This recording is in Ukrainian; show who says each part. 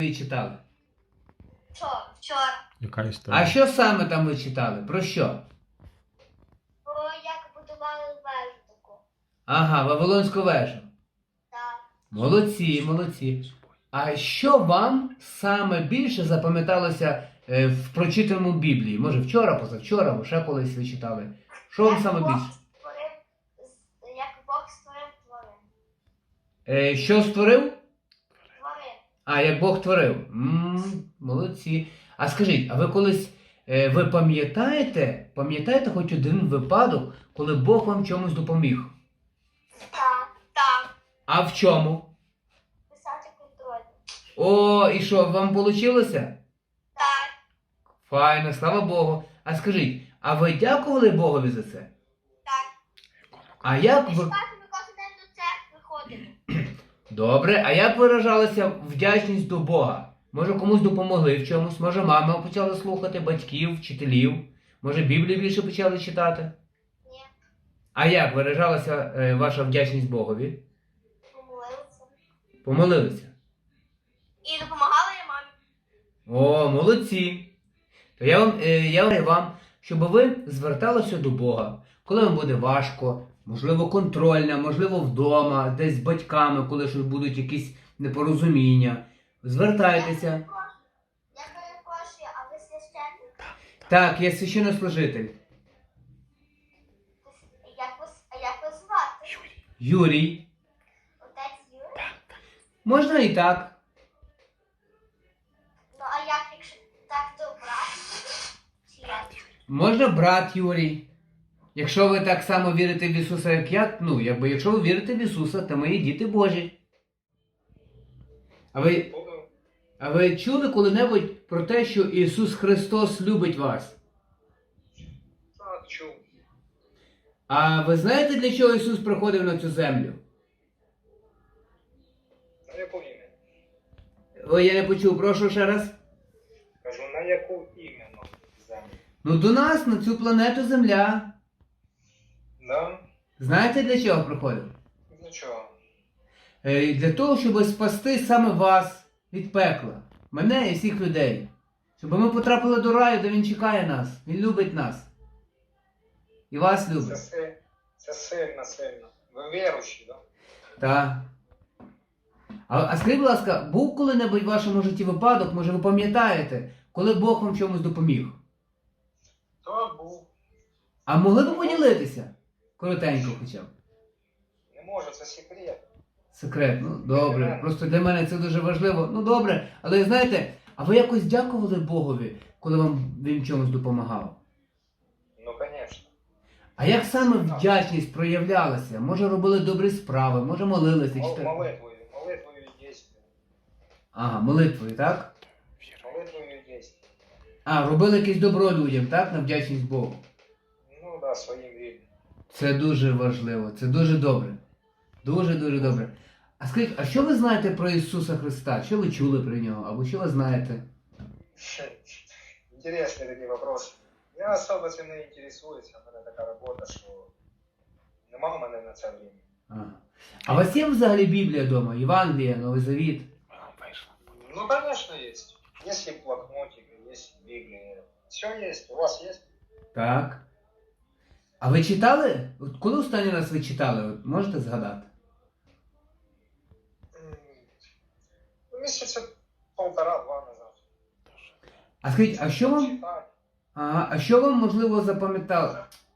Speaker 1: ви читали?
Speaker 2: Вчора.
Speaker 3: Яка історія?
Speaker 1: А що саме там ви читали? Про що?
Speaker 2: Бо як будували вежу таку.
Speaker 1: Ага, Вавилонську вежу.
Speaker 2: Так.
Speaker 1: Молодці, молодці. А що вам саме більше запам'яталося в прочитаному Біблії? Може вчора, позавчора, або ще колись ви читали? Що вам саме більше?
Speaker 2: Як Бог створив тварин.
Speaker 1: Що створив?
Speaker 2: Тварин.
Speaker 1: А, як Бог творив. Молодці. А скажіть, а ви колись, ви пам'ятаєте хоч один випадок, коли Бог вам чомусь допоміг?
Speaker 2: Так. Так.
Speaker 1: А в чому?
Speaker 2: Писати контроль.
Speaker 1: О, і що, вам вийшло?
Speaker 2: Так.
Speaker 1: Файно, слава Богу. А скажіть, а ви дякували Богові за це?
Speaker 2: Так.
Speaker 1: А як
Speaker 2: Ми
Speaker 1: ви...
Speaker 2: спати ми кожен день до церкви ходимо.
Speaker 1: Добре, а як виражалася вдячність до Бога? Може комусь допомогли в чомусь? Може мама почала слухати, батьків, вчителів? Може Біблію більше почали читати?
Speaker 2: Ні.
Speaker 1: А як виражалася ваша вдячність Богові?
Speaker 2: Помолилися.
Speaker 1: Помолилися?
Speaker 2: І допомагала я мамі.
Speaker 1: О, молодці! То я говорю вам, щоб ви зверталися до Бога, коли вам буде важко, можливо контрольна, можливо вдома, десь з батьками, коли щось будуть якісь непорозуміння. Звертайтеся.
Speaker 2: Я перепрошую, а ви священник?
Speaker 1: Так, я священнослужитель.
Speaker 2: Як ви звати?
Speaker 1: Юрій.
Speaker 2: Отець Юрій?
Speaker 1: Можна і так.
Speaker 2: Ну а як, якщо так, то брат? Чи як?
Speaker 1: Можна брат Юрій. Якщо ви так само вірите в Ісуса, як я, якщо ви вірите в Ісуса, то мої діти Божі. А ви чули коли-небудь про те, що Ісус Христос любить вас?
Speaker 3: Так, чув.
Speaker 1: А ви знаєте, для чого Ісус приходив на цю землю?
Speaker 3: На яку іменно?
Speaker 1: Ой, я не почув, прошу ще раз.
Speaker 3: Кажу, на яку іменно землю?
Speaker 1: Ну до нас, на цю планету Земля.
Speaker 3: Да?
Speaker 1: Знаєте, для чого приходив?
Speaker 3: Для чого?
Speaker 1: Для того, щоб спасти саме вас від пекла. Мене і всіх людей. Щоб ми потрапили до раю, де Він чекає нас. Він любить нас. І вас любить.
Speaker 3: Це сильно, сильно. Ви віруючі, так?
Speaker 1: Так. А скажіть, будь ласка, був коли-небудь в вашому житті випадок, може ви пам'ятаєте, коли Бог вам чомусь допоміг?
Speaker 3: То був.
Speaker 1: А могли б поділитися? Коротенько хоча б.
Speaker 3: Не можу, це секрет.
Speaker 1: Секрет, ну добре. Просто для мене це дуже важливо. Ну добре, але знаєте, а ви якось дякували Богові, коли вам він чомусь допомагав?
Speaker 3: Ну, звісно.
Speaker 1: А як саме вдячність проявлялася? Може робили добрі справи, може молилися?
Speaker 3: Молитвою і дійством.
Speaker 1: Ага, молитвою, так?
Speaker 3: Молитвою і дійством.
Speaker 1: А, робили якесь добро людям, так? На вдячність Богу.
Speaker 3: Ну, да, своїм рідним.
Speaker 1: Це дуже важливо, це дуже добре. Дуже-дуже добре. А скажіть, а що ви знаєте про Ісуса Христа? Що ви чули про нього? Або що ви знаєте?
Speaker 3: Интересные такие вопросы. Я особо цим не інтересуюся, у мене така робота, що нема в мене на це время.
Speaker 1: Ага. А у вас є взагалі Біблія вдома? Євангелія, Новий Завіт?
Speaker 3: Ну, конечно, есть. Есть и блокнотик, есть Библия. Все есть. У вас есть?
Speaker 1: Так. А ви читали? От коли останній раз ви читали? От можете згадати?
Speaker 3: Месяца полтора-два назад.
Speaker 1: А скажіть, а що вам,
Speaker 3: Читать.
Speaker 1: а що вам можливо запам'ятало?